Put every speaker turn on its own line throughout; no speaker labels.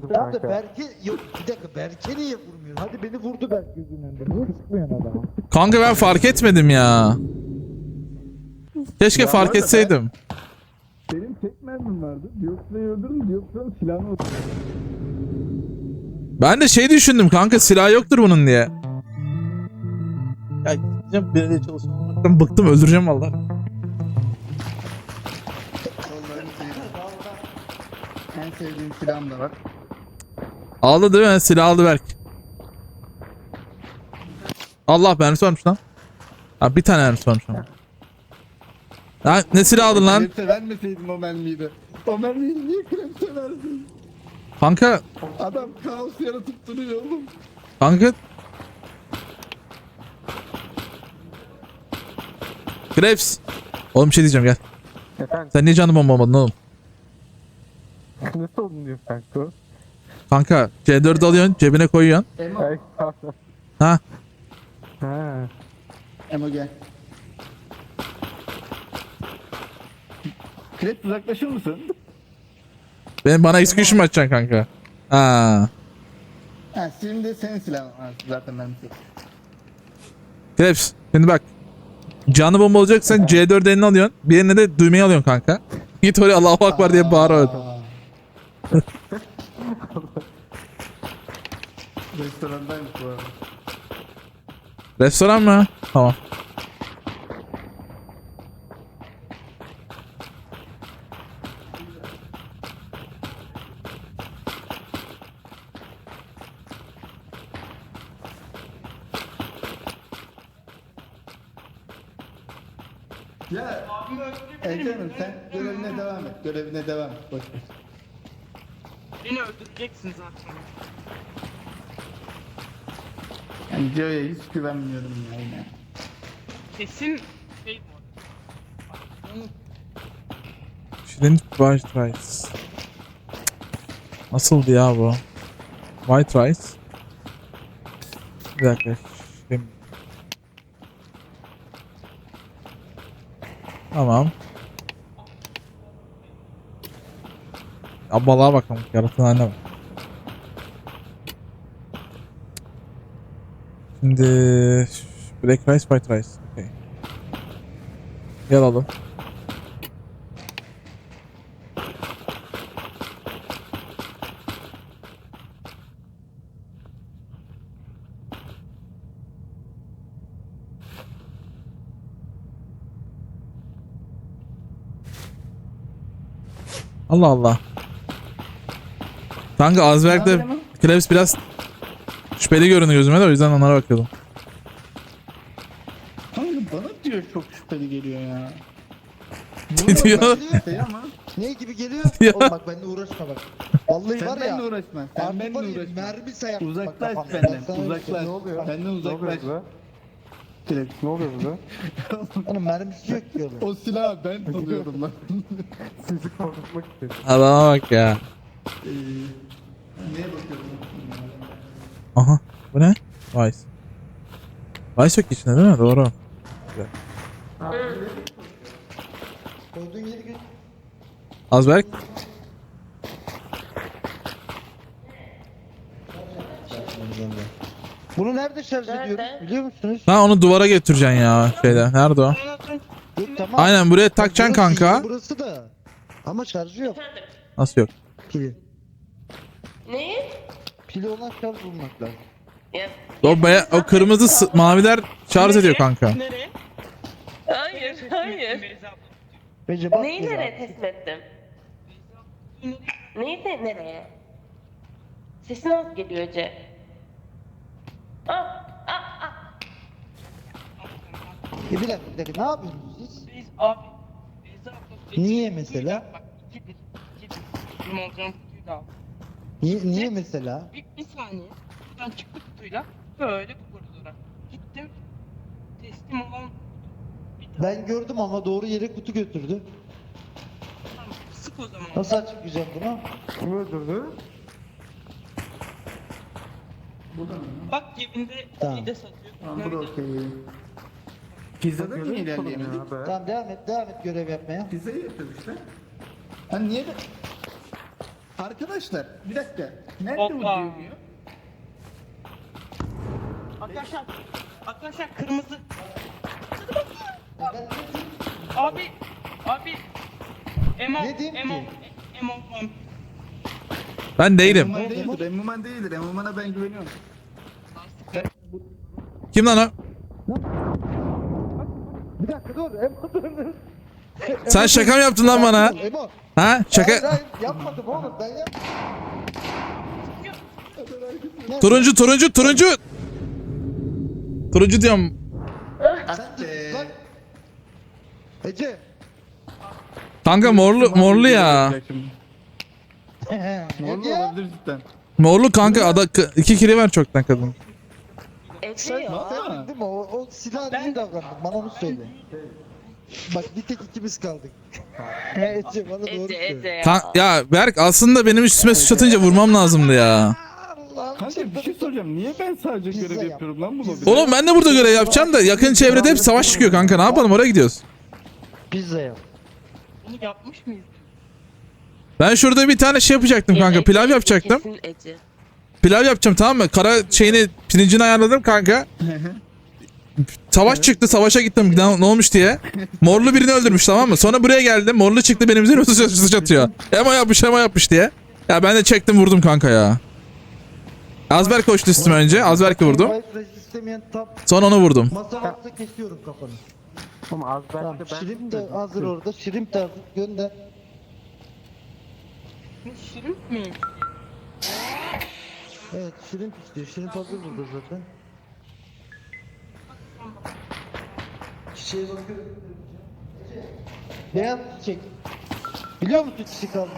Tamam da
kanka.
Berke yok bir dakika Berke niye vurmuyorsun? Hadi beni vurdu Berke gözünün önünde. Niye sıkmıyorsun adama?
Kanka ben fark etmedim ya. Keşke
Ya bu
fark
arada
etseydim.
Senin tek mermin vardı. Dioptra'yı öldürdün. Dioptra'nın silahını öldürdün.
Ben de şey düşündüm kanka, silah yoktur bunun diye. Ya gideceğim belediye çalışmaktan bıktım, öldüreceğim vallahi.
En sevdiğim silahım da var.
Aldı değil mi? Silah aldı Berk. Allah, mermisi varmış lan. Ha, bir tane mermisi varmış ama. Ha, ne silah aldın lan?
Kremse vermeseydim o mermiyi de. O mermiyi niye kremse verdin?
Kanka,
Adam kaos yaratıp duruyor oğlum.
kanka. Krebs. Oğlum bir şey diyeceğim, gel.
Efendim
Sen niye canı bombalamadın oğlum?
nasıl oldu diyor kanka?
Kanka C4'ü alıyorsun, cebine koyuyorsun.
Ay pardon.
Ha,
Ha.
Emo gel. Krep uzaklaşır mısın?
bana execution mı açacaksın kanka? Ha.
Ha şimdi senin silahın var zaten mermisi.
Krebs, şimdi bak. Canı bomba olacaksan C4 eline alıyorsun. Bir eline de düğmeyi alıyorsun kanka. Git oraya Allahu Akbar diye bağır orada.
Restorandaymış bu arada.
Restoran mı? Tamam.
Ya canım sen görevine devam et. Görevine devam et. Boş ver.
Beni öldüreceksin zaten.
Yani Joe'ya hiç güvenmiyorum ya yine.
Kesin şey bu. Onu
Shrimp white rice. Nasıldı ya bu? White rice. Bir dakika. Shrimp. Tamam. Ya balığa bakalım. Yaratın haline bak. Şimdi black rice, white rice. Okay. Gel alalım. Allah Allah. Kanka Azberk'te Krebs biraz şüpheli görünüyor gözüme de, o yüzden onlara bakıyordum.
Kanka bana diyor çok şüpheli geliyor ya.
Ne diyor?
Şey ama
Ne gibi geliyor?
Ya.
Oğlum bak benimle uğraşma bak. Vallahi
sen
var ya.
benimle uğraşma. Sen
Artık
benimle
var ya,
uğraşma.
mermi sayar.
Uzaklaş
Bak,
benden.
ben sana bir şey
Uzaklaş.
söyleyeyim.
Ne oluyor?
Benden
Ne oluyor
uzaklaş.
burada?
Direkt.
Ne oluyor burada?
Onun mermisi yok ki oğlum.
O silahı ben tutuyorum lan.
Sizi korkutmak için.
Adama bak ya.
Neye bakıyorum?
Aha. Bu ne? Vice. Vice yok içinde değil mi? Doğru. Güzel.
Koyduğun yeri gör.
Azberk.
Bunu nerede şarj ediyoruz biliyor musunuz?
Ha, onu duvara götüreceksin ya şeyde. Nerede o?
Yok tamam.
Aynen, buraya takacaksın
Burası iyi,
kanka.
Burası da. Ama şarjı yok.
Nasıl yok?
Pili.
Ne?
Pili olan şarj bulmak lazım.
Ya,
O kırmızı maviler şarj ediyor kanka.
Nereye?
hayır, hayır.
Beyza abla.
Bence bak.
Neyi
buraya.
nereye teslim ettim? Neyi de nereye? Sesin az geliyor Ece. Ah, ah, ah.
Bir dakika bir dakika ne yapıyorsunuz siz?
Beyza abi. Beyza abla.
Niye mesela?
Bak ikidir. Benim alacağım kutuyu da al.
Niye mesela?
Bir saniye. Buradan çıktı kutuyla. Böyle bu koridora. Gittim. Teslim olan bir tane.
Ben gördüm ama doğru yere kutu götürdü.
Tamam, sık o zaman.
Nasıl açıklayacağım bunu?
Kim öldürdü?
Bak cebinde
Tamam.
şey de satıyor.
Tamam bu da
Nerede?
okey. Pizzada niye ilerleyemedik?
Ya be.
Tamam devam et görev yapmaya.
Pizzayı yapıyoruz işte. Hani niye de... Arkadaşlar bir dakika. Nerede bu
Hoppa.
diyor?
Arkadaşlar kırmızı. Abi Emo
Ne diyeyim ki?
Emo
Ben değilim.
Emuman değildir. Emuman değildir. Emumana ben güveniyorum.
Kim lan o?
Bir dakika dur. Emo dur.
Sen şaka mı yaptın lan bana?
Emo.
Ha? Şaka.
Hayır yapmadım oğlum ben yapmadım.
Turuncu. Turuncu diyorum.
Lan. Ece.
Kanka morlu ya.
Ne oldu
Ya.
olabilir cidden.
Morlu kanka 2 kili var çoktan kadın.
Ece
Sen
ya.
sen değil mi? O silah değil davrandın. Bana onu söyle. Bak bir tek ikimiz kaldık. Ece bana doğru
Ece
söyle.
ya.
Ya Berk aslında benim üstüme suç atınca vurmam lazımdı ya.
Allah'ım
Kanka bir şey soracağım. Niye ben sadece
Pizza
görev
yap.
yapıyorum lan bu lobide?
Oğlum ben de burada görev yapacağım da yakın çevrede hep savaş çıkıyor kanka. Ne yapalım, oraya gidiyoruz.
Pizza yap.
bunu yapmış mıyız?
Ben şurada bir tane şey yapacaktım kanka.
Ece,
Pilav yapacaktım.
Kesin Ece.
Pilav yapacağım, tamam mı? Pirincini ayarladım kanka. Savaş çıktı, savaşa gittim ne olmuş diye. Morlu birini öldürmüş, tamam mı? Sonra buraya geldim, morlu çıktı benim üzerime suç atıyor. Emo yapmış diye. Ya ben de çektim vurdum kanka ya. Azber koştu üstüme önce, Azberk'i vurdum.
White istemeyen tap
Sonra onu vurdum.
masa altında kesiyorum kafanı.
Oğlum az
Tamam
belki ben...
şirin de hazır orada. Şirin de hazır. Gönder.
Bu şirin mi?
Evet şirin istiyor. Şirin hazır burada zaten. Çiçeğe bakıyorum. Beyaz çiçek. Biliyor musun çiçek abi?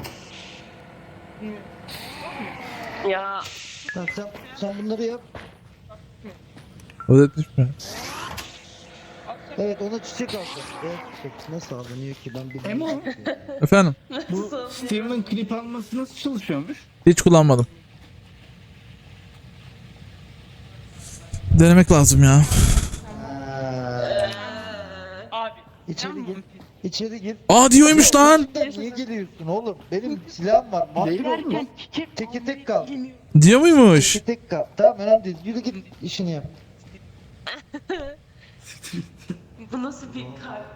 Ya
Tamam, sen bunları yap.
O da düşmüyor.
Evet ona çiçek aldı. Beyaz çiçek. Nasıl alınıyor ki ben bilmiyorum.
Emo
Efendim?
bu Steam'in klip alması nasıl çalışıyormuş?
Hiç kullanmadım. Denemek lazım ya.
Abi.
İçeri gir. İçeri gir.
Aa diyormuş lan.
Niye geliyorsun oğlum? Benim silahım var. Mahkum oldum. Teke tek kal.
Diyor muymuş?
Teke tek kal. Tamam önemli değil. Yürü git işini yap.
bu nasıl bir kalp?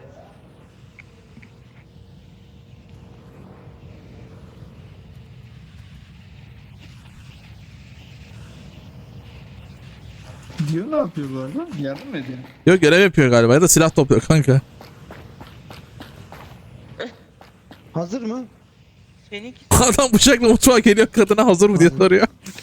Diyor ne yapıyor bu arada? Yardım mı ediyor?
Yok, görev yapıyor galiba ya da silah topluyor kanka.
Hazır mı?
Seninki
Adam bıçakla mutfağa geliyor, kadına hazır mı diye soruyor.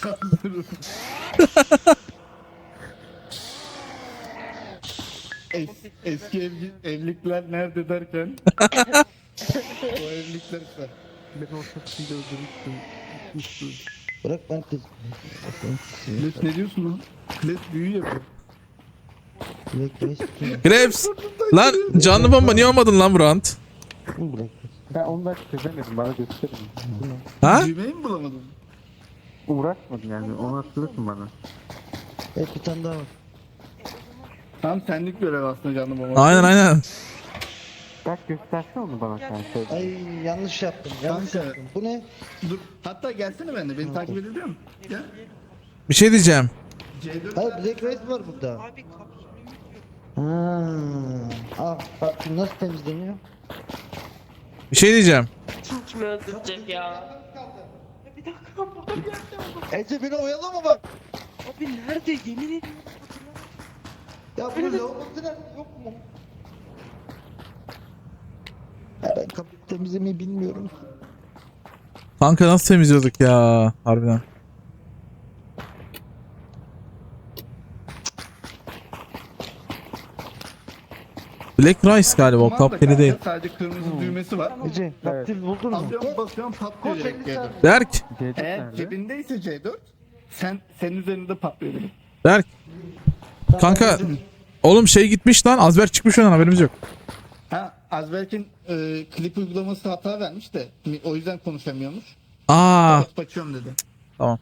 Eski evlilikler nerede derken o evlilikler var.
Ben ortasında öldürmüştüm.
Bırak ben kız.
Les ne diyorsun lan? Les büyü yapıyor.
Bırak reis.
Krebs! Lan canlı bomba niye olmadın lan bu round?
Bırak.
Ben onları çözemedim. Bana gösterin.
Ha?
Düğmeyi mi bulamadın?
Uğraşmadım yani. Onu hatırlatın bana.
Evet bir tane daha var.
Tam senlik görev aslında canım ama.
Aynen.
Bak göstersene onu bana sen. Söyle.
Ay yanlış yaptım. Yanlış
Kanka.
yaptım. Bu ne?
Dur. Hatta gelsene ben de. Beni takip edebiliyor musun? Gel.
Bir şey diyeceğim.
C4
Hayır Black Race var burada.
abi kapsülümüz yok.
Al bak şimdi nasıl temizleniyor?
Bir şey diyeceğim.
Kim kimi öldürecek ya?
Ya bir dakika burada bir yerde var.
Ece beni oyalama bak.
Abi nerede yemin ediyorum.
Ya bu lavabası nerede? Yok mu? Ya ben kapıyı temizlemeyi bilmiyorum.
Kanka nasıl temizliyorduk ya harbiden. Black Rice galiba o,
Kumanda
kapkeli
kanka,
değil.
Sadece kırmızı düğmesi var.
Ece kaptil buldun mu?
Alıyorum basıyorum patlıyor
Koş
direkt
50
C4.
saniye.
Berk!
C4
Eğer
nerede?
cebindeyse C4 senin üzerinde patlıyor direkt.
Berk! Kanka oğlum şey gitmiş lan, Azber çıkmış ondan, haberimiz yok.
Ha Azberk'in klip uygulaması hata vermiş de o yüzden konuşamıyormuş.
Aa,
Kapatıp açıyorum dedi.
tamam.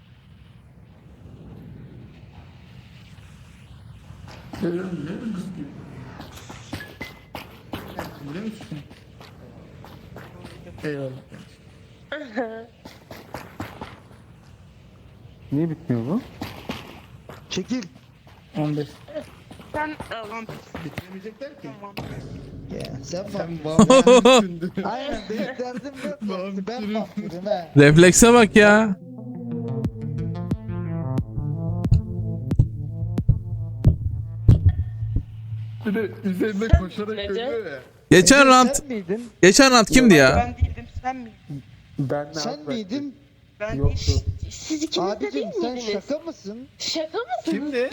Görüyorum biliyor musun kız gibi? Biliyor musun? Eyvallah.
Niye bitmiyor bu?
Çekil.
15.
Sen lan
Bitiremeyecekler ki.
tamam.
Ya sen bak.
Sen vampirsin.
Aynen benim derdim yok. Ben vampirim he.
Reflekse bak ya.
Bir de üzerinde koşarak
Nece?
ölüyor ya.
Geçen
Ece,
round,
sen miydin?
geçen round kimdi ya?
Ben değildim, sen miydin?
Ben de
Sen miydin?
Ben
Yok,
değildim.
Siz ikiniz de
Abicim
değil
sen
miydiniz?
şaka mısın?
Şaka mısınız?
Kimdi?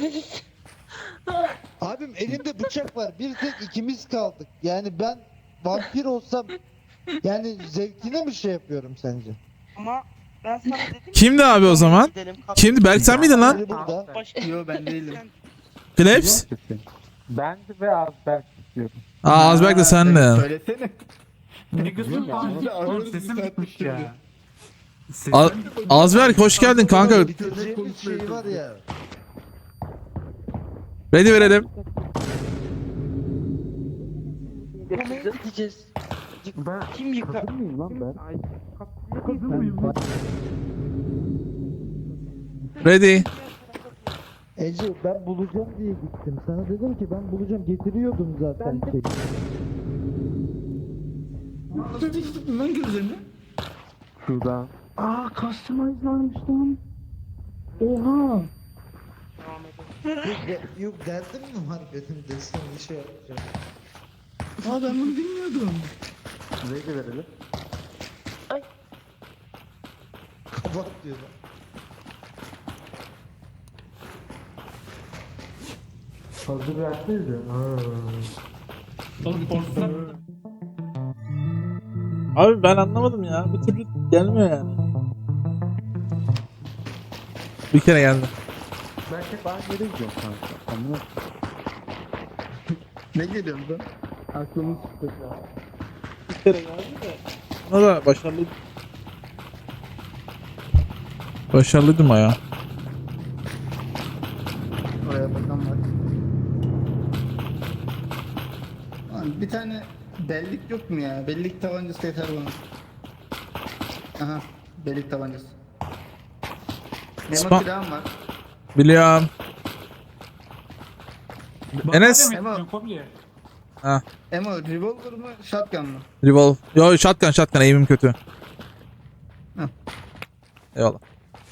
Abim elimde bıçak var. Bir tek ikimiz kaldık. Yani ben vampir olsam yani zevkine mi şey yapıyorum sence?
Ama ben sana dedim.
Kimdi abi o zaman?
Gidelim, kalk.
Kimdi? Berk sen miydin lan?
Biri burada.
Başka
Yo ben değilim.
Sen-
Klebs?
Ben de ve Azberk istiyorum.
Aa Azberk de sen de.
Söylesene.
Ne kızım
Ya,
abi?
oğlum,
Oğlum sesim
saat
bitmiş
bitti.
ya.
A- Azberk hoş geldin kanka.
Bitireceğimiz şey var ya.
Ready verelim.
Yemeğe gideceğiz.
Ben
Kim yıkar?
kadın mıyım lan ben?
Kadın mıyım lan?
Ready.
Ece ben bulacağım diye gittim. Sana dedim ki ben bulacağım. Getiriyordum zaten.
Nasıl diktin lan gözlerini?
Şuradan.
Aa customize varmış lan. Oha. Yok derdim mi var benim de sana bir şey yapacağım.
Aa ben bunu bilmiyordum.
Ready verelim.
Kapat diyorum.
Hazır verseydi.
Oğlum korksan.
Abi ben anlamadım ya. Bir türlü gelmiyor yani. Bir kere geldi.
Ben hep aynı yere gidiyorum kanka. Anladın?
Ne geliyor bu? Aklımız çıktı.
Bir kere geldi de. Buna da başarılıydım. Başarılıydım ya.
Oraya bakan var. Lan bir tane bellik yok mu ya? Bellik tabancası yeter bana. Aha, bellik tabancası. Memo silahım var.
Biliyorum. Enes.
Komple.
Ha.
Emo revolver mı, shotgun mı?
Revolve. Yo shotgun aim'im kötü.
Hı.
Eyvallah.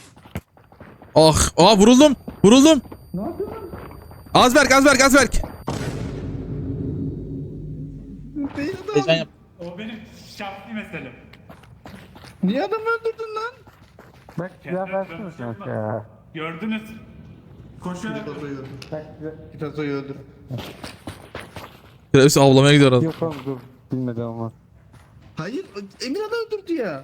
Ah, vuruldum.
Ne yapıyorsun?
Azberk.
Değil
Heyecan
adam.
yap.
O benim şahsi meselem.
Niye adamı öldürdün lan?
Bak silah versene kanka ya.
Gördünüz. Koşarak.
Pitazo'yu öldür. Pitazo'yu öldür.
Hepsi avlamaya gidiyor adam.
Yok oğlum dur. Bilmedi ama.
Hayır, Emir adam öldürdü ya.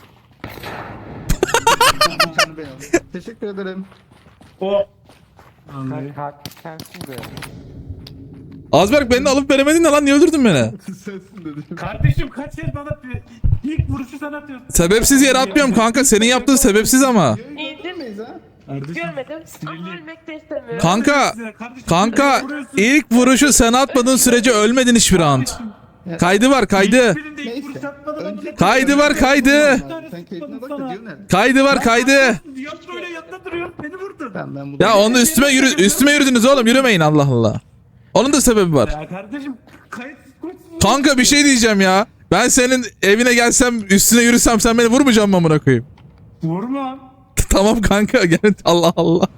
Sen beni al. Teşekkür ederim.
O.
Katil sensin de.
Azberk beni de alıp veremedin de lan niye öldürdün beni?
Sensin dedim.
Kardeşim kaç yer bana ilk vuruşu sen atıyorsun.
Sebepsiz yere atmıyorum kanka. Senin yaptığın sebepsiz ama.
Gördün müyüz ha?
Görmedim ama ölmek de istemiyorum.
Kanka ilk vuruşu sen atmadığın sürece ölmedin hiçbir round. Kaydı var kaydı.
Birinde ilk vuruş atmadın ama
Önce...
Kaydı var kaydı.
Sen keyfine bak da diyor ne?
Kaydı var kaydı.
Yat böyle yanında duruyor beni vurdun.
Ben bu
Ya onu üstüme yürüdünüz oğlum yürümeyin Allah Allah. Onun da sebebi var.
Ya kardeşim kayıtsız koçsuz.
Kanka bir şey diyeceğim ya. Ben senin evine gelsem üstüne yürüsem sen beni vurmayacaksın mı amına koyayım?
Vurma.
Tamam kanka gel Allah Allah.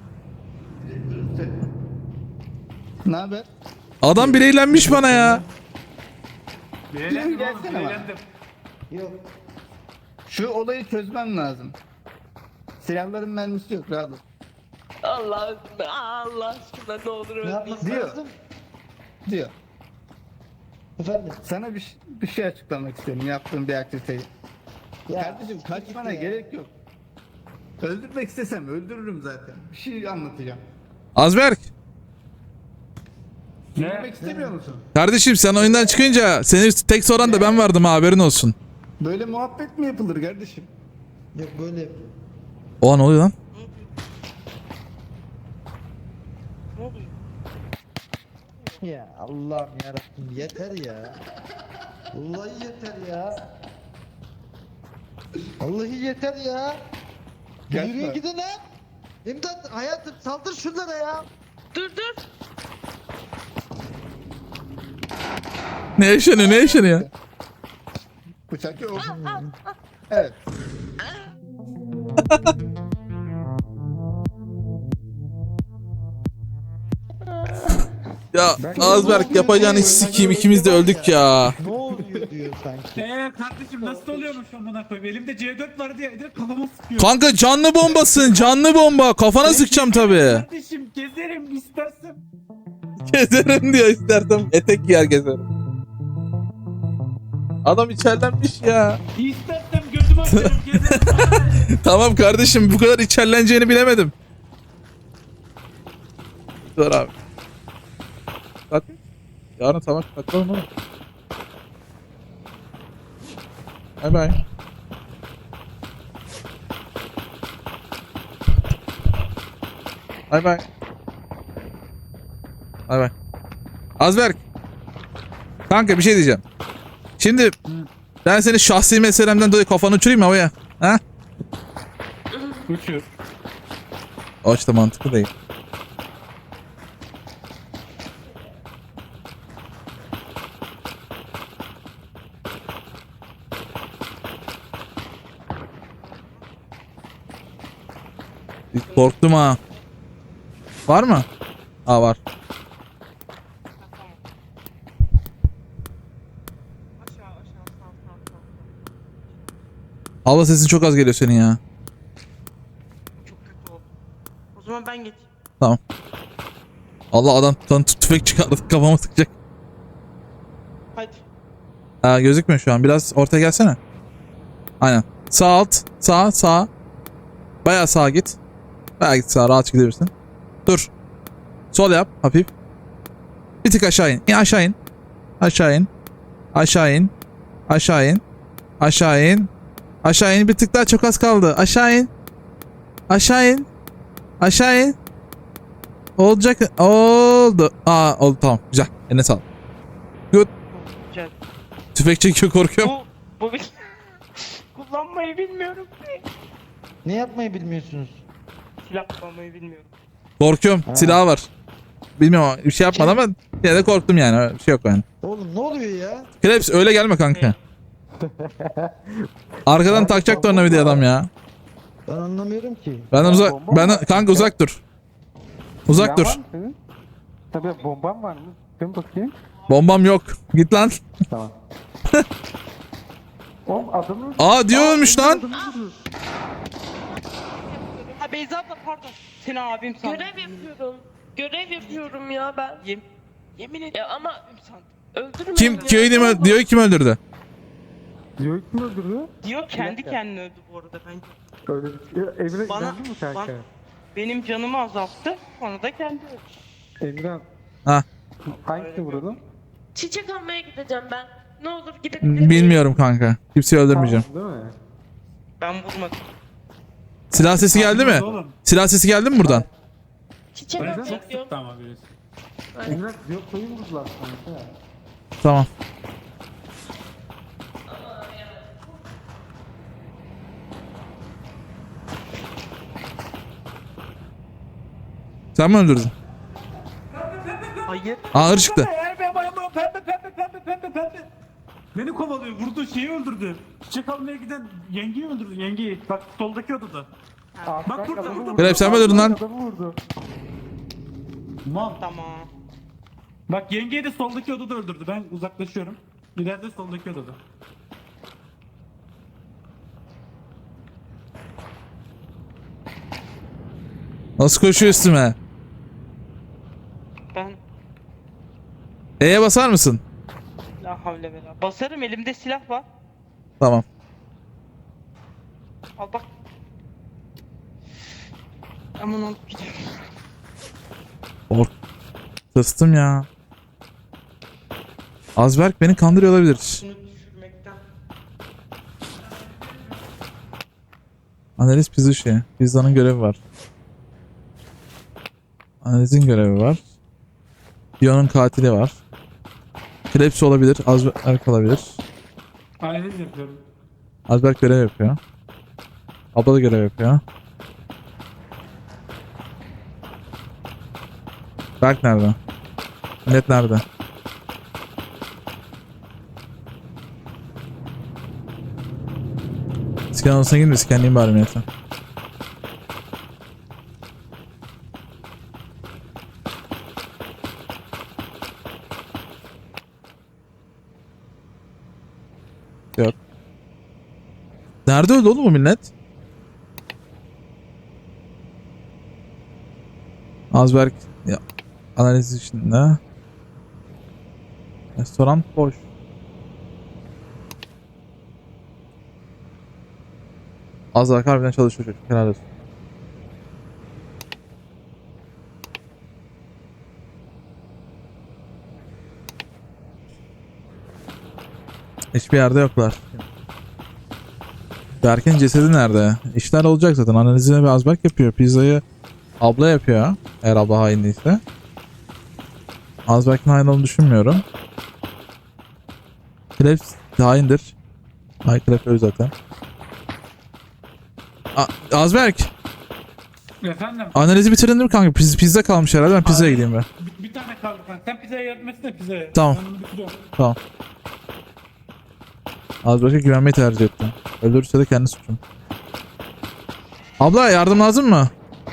Ne haber?
Adam bireylenmiş bana ya.
Eğlendim oğlum
Gelsene bana.
eğlendim.
Yok.
Şu olayı çözmem lazım. Silahların mermisi yok rahat ol.
Allah aşkına ne olur
Ne
ölmeyin.
yapması
Diyor.
lazım?
Diyor.
Efendim.
Sana bir şey açıklamak istiyorum yaptığım bir aktiviteyi.
Ya,
Kardeşim kaçmana
ya.
gerek yok. Öldürmek istesem öldürürüm zaten. Bir şey anlatacağım.
Azberk.
Dinlemek istemiyor musun?
Kardeşim sen oyundan çıkınca seni tek soran da ben vardım ha, haberin olsun.
Böyle muhabbet mi yapılır kardeşim?
Yok böyle.
O ne oluyor lan?
Ne oluyor?
Ya Allah'ım yarabbim yeter ya. Vallahi yeter ya. Vallahi yeter ya.
Kaçma.
Yürüyün gidin lan. İmdat hayatım saldır şunlara ya.
Dur dur.
Ne yaşanıyor, ne yaşanıyor?
Bıçak yok. Evet.
Ya Azberk yapacağını hiç sikeyim, ikimiz de öldük ya.
Ne oluyor diyor sanki.
Kardeşim nasıl oluyormuş amına koyayım? Elimde C4 var diye direkt kafama sıkıyor.
Kanka canlı bombasın, canlı bomba. Kafana sıkacağım tabii.
Kardeşim gezerim istersen.
Gezerim diyor istersen. Etek giyer gezerim. Adam içerlenmiş ya.
İstersem gözümü açarım gezerim.
Tamam kardeşim, bu kadar içerleneceğini bilemedim. Dur abi. Bak. Yarın sabah takalım oğlum. Bay bay. Bay bay. Bay bay. Azberk. Kanka bir şey diyeceğim. Şimdi ben seni şahsi meselemden dolayı kafanı uçurayım mı havaya? Ha?
Uçuyor.
O işte mantıklı değil. Korktum ha. Var mı? Aa var. Hava sesin çok az geliyor senin ya.
Çok kötü oldu. O zaman ben geçeyim.
Tamam. Allah adam tüfek çıkardı kafama sıkacak.
Hadi.
Ha, gözükmüyor şu an. Biraz ortaya gelsene. Aynen. Sağ alt. Sağ. Bayağı sağa git. Bayağı git sağa. Rahat gidebilirsin. Dur. Sol yap. Hafif. Bir tık aşağı in. Aşağı in. Aşağı in. Aşağı in. Aşağı in. Aşağı in. Aşağı in. Bir tık daha, çok az kaldı. Aşağı in. Aşağı in. Aşağı in. Olacak. Oldu. Aa oldu, tamam. Güzel. Eline sağlık.
Güzel.
Tüfek çekiyor, korkuyorum.
Bu bir... Kullanmayı bilmiyorum.
Ne yapmayı bilmiyorsunuz?
Silah kullanmayı bilmiyorum.
Korkuyorum. Silahı var. Bilmiyorum ama bir şey yapmadı ama yine de korktum yani. Öyle bir şey yok yani.
Oğlum ne oluyor ya?
Krebs öyle gelme kanka. Arkadan takacak da bir adam ya.
Ben anlamıyorum ki.
Benden uzak.
bomba mı
Benden
var?
kanka uzak dur. Uzak dur.
Silahın var mı senin? Tabii bomban var mı? Ben bakayım.
Bombam yok. Git lan.
Tamam. Oğlum adamı...
Aa diyor ölmüş lan.
Ha Beyza abla pardon. Seni abim sandım.
Görev yapıyorum. Görev yapıyorum ya ben.
Yemin ederim
Ya ama
abim sandım.
öldürmeyin
Kim
ya.
köyü diyor kim öldürdü?
Diyor kim öldürdü?
Diyor kendi kendine öldü bu arada bence.
Öyle bir... Emre
Bana-
inandın mı kanka?
bana- Benim canımı azalttı. Sonra da kendi öldü.
Emre
Ha.
hangisi vurdu?
Çiçek almaya gideceğim ben. Ne olur gidebilir miyim?
Bilmiyorum kanka. Kimseyi öldürmeyeceğim.
Değil mi?
Ben vurmadım.
Silah sesi geldi mi?
Oğlum.
Silah sesi geldi mi buradan?
Çiçek
Ben
almaya
çok
gidiyorum.
sıktı ama birisi.
Emre diyor koyu vurdular kanka.
Tamam. Sen mi öldürdün?
Hayır.
Aa hır çıktı.
Pembe. Beni kovalıyor. Vurdu şeyi öldürdü. Çiçek almaya giden yengeyi öldürdü. Yengeyi. Bak soldaki odada. Bak burada.
Krep sen mi öldürdün lan?
Adamı vurdu.
Mal.
Tamam.
Bak yengeyi de soldaki odada öldürdü. Ben uzaklaşıyorum. İleride soldaki odada.
Nasıl koşuyor üstüme?
Ben
E'ye basar mısın?
la havle ve la. Basarım, elimde silah var.
Tamam.
Al bak. Aman alıp gidiyorum.
Tırstım ya. Azberk beni kandırıyor olabilir.
Şunu düşürmekten.
Analiz pizza şey. Pizzanın görevi var. Analizin görevi var. Dion'un katili var. Krebs olabilir. Azberk olabilir.
Analiz yapıyorum.
Azberk görev yapıyor. Abla da görev yapıyor. Berk nerede? Millet nerede? Scan olsa gidin de scanleyeyim bari millete. Yok. Nerede öldü oğlum bu millet? Azberk ya, analiz içinde. Restoran boş. Azberk harbiden çalışıyor çocuk. Helal olsun. Hiçbir yerde yoklar. Berk'in cesedi nerede? İşler olacak zaten. Analizini bir Azberk yapıyor. Pizzayı abla yapıyor. Eğer abla hain değilse. Azberk'in hain olduğunu düşünmüyorum. Klep haindir. Hay Klep öyle zaten. Azberk!
Efendim?
Analizi bitirdin değil mi kanka? Pizza kalmış herhalde. Ben pizzaya gideyim ben.
Bir tane kaldı kanka. Sen pizzaya yardım etsene pizzaya.
Tamam.
Ben onu bitiriyorum.
Tamam. Azberk'e güvenmeyi tercih ettim. Öldürürse de kendi suçum. Abla yardım lazım mı?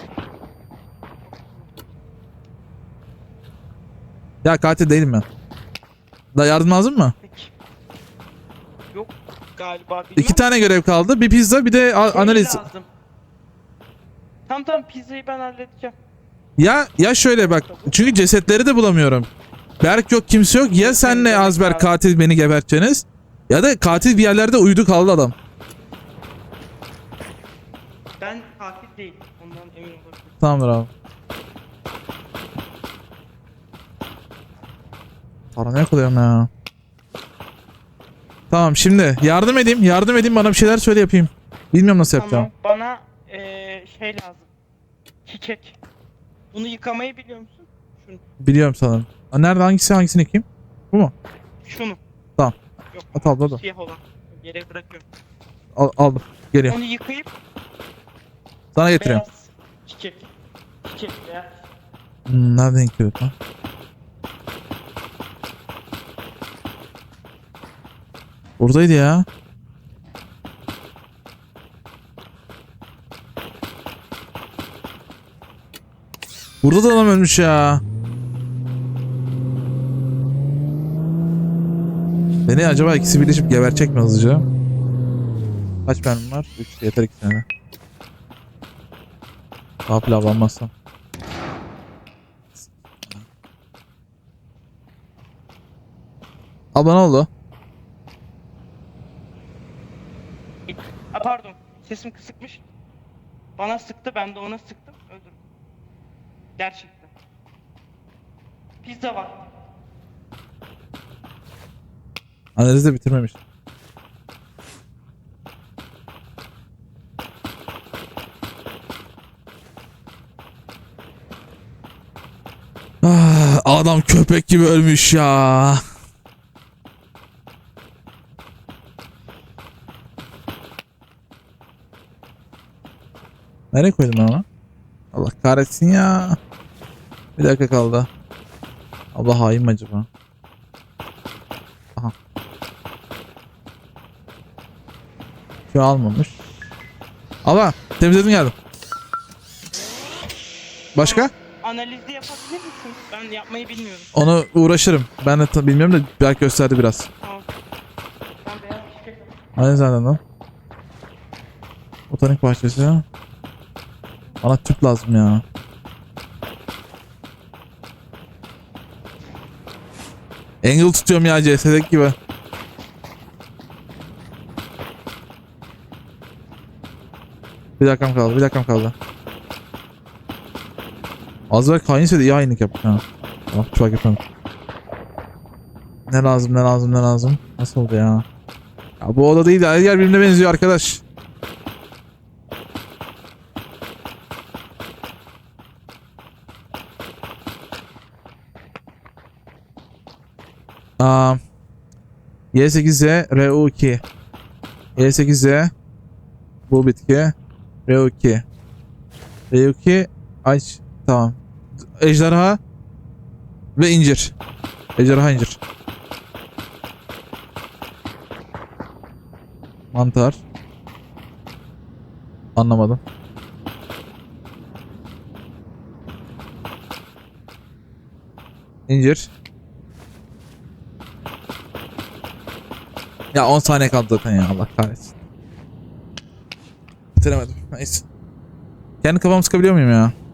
Ya katil değilim ben. Da yardım lazım mı?
Peki. Yok galiba. Bilmem.
2 tane görev kaldı. Bir pizza bir de
Şey
analiz.
lazım. Tamam pizzayı ben halledeceğim.
Ya şöyle bak. Çünkü cesetleri de bulamıyorum. Berk yok, kimse yok. Ya senle Azberk katil beni geberteceksiniz. Ya da katil bir yerlerde uyudu kaldı adam.
Ben katil değilim. Ondan emin olabilirim.
Tamamdır abi. Paranoyak oluyorum ya. Tamam şimdi yardım edeyim. Yardım edeyim bana bir şeyler söyle yapayım. Bilmiyorum nasıl yapacağım.
Tamam bana şey lazım. Çiçek. Bunu yıkamayı biliyor musun? Şunu.
Biliyorum sanırım. Nerede hangisini yıkayayım? Bu mu?
Şunu.
Tamam.
Yok.
At abla da.
Siyah olan. Yere bırakıyorum.
Aldım. Geliyor.
Onu yıkayıp
Sana getiriyorum.
beyaz çiçek. Çiçek beyaz.
Nereden yıkıyorduk lan? Buradaydı ya. Burada da adam ölmüş ya. Beni acaba ikisi birleşip gebertecek mi hızlıca? Kaç mermim var? 3 yeter 2 tane. Gafil avlanmazsam. Abla ne oldu?
Ha pardon. Sesim kısıkmış. Bana sıktı ben de ona sıktım. Öldürdüm. Gerçekten. Pizza var.
Analizi de bitirmemiş. Adam köpek gibi ölmüş ya. Nereye koydum ben onu? Allah kahretsin ya. Bir dakika kaldı. Abla hain mi acaba? Aha. Şu almamış. Abla temizledim geldim. Başka?
Analizi yapabilir misin? Ben yapmayı bilmiyorum.
Onu uğraşırım. Ben de bilmiyorum da belki gösterdi biraz.
Tamam. Ben beyaz çiçek alayım.
Aynen zaten lan. Botanik bahçesi. Bana tüp lazım ya. Angle tutuyorum ya CS'deki gibi. Bir dakikam kaldı, bir dakikam kaldı. Az ver hainse de iyi hainlik yaptık ha. Bak çok yapalım. Ne lazım, ne lazım, ne lazım? Nasıl oldu ya? Ya bu oda değil de her yer birbirine benziyor arkadaş. Y8Z RU2. Y8Z bu bitki. RU2. RU2 aç. Tamam. Ejderha Ve incir. Ejderha incir. Mantar. Anlamadım. İncir. Ya 10 saniye kaldı zaten ya, Allah kahretsin. Bitiremedim. Neyse. Kendi kafamı sıkabiliyor muyum ya?